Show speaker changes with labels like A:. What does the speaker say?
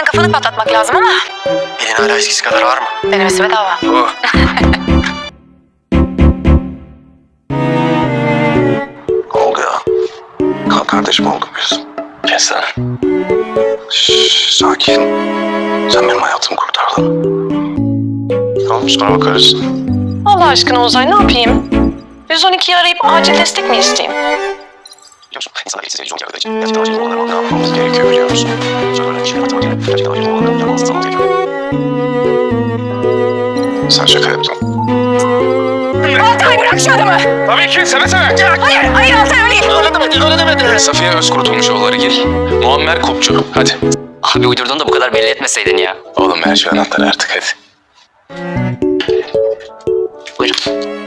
A: kafanı patlatmak lazım ama
B: Pelin hala eskisi kadar var mı?
A: denemesi bedava.
B: Oh. Oldu ya. Kalk kardeşim olduk biz. Kes lan. Şşş, sakin. Sen benim hayatımı kurtardın. Tamam sonra bakarız.
A: Allah aşkına Uzay ne yapayım? 112'yi arayıp acil destek mi isteyeyim?
B: Biliyor musun? İnsanlar eksiz edici olacağı için gerçekten acil olanları ne yapmamız gerekiyor biliyor musun? Sonra öyle bir şey yapmak için gerçekten acil olanları yapmamız gerekiyor. Sen şaka yaptın.
A: Altay bırak şu adamı!
C: Tabii ki seve seve.
A: Hayır Altay öyle değil.
B: Öyle demedi.
C: Safiye Özkurtulmuşoğulları gir. Muammer Kopçu. Hadi.
D: Abi uydurduğunu da bu kadar belli etmeseydin ya.
B: Oğlum ver şu anahtarı artık hadi.
D: Buyurun.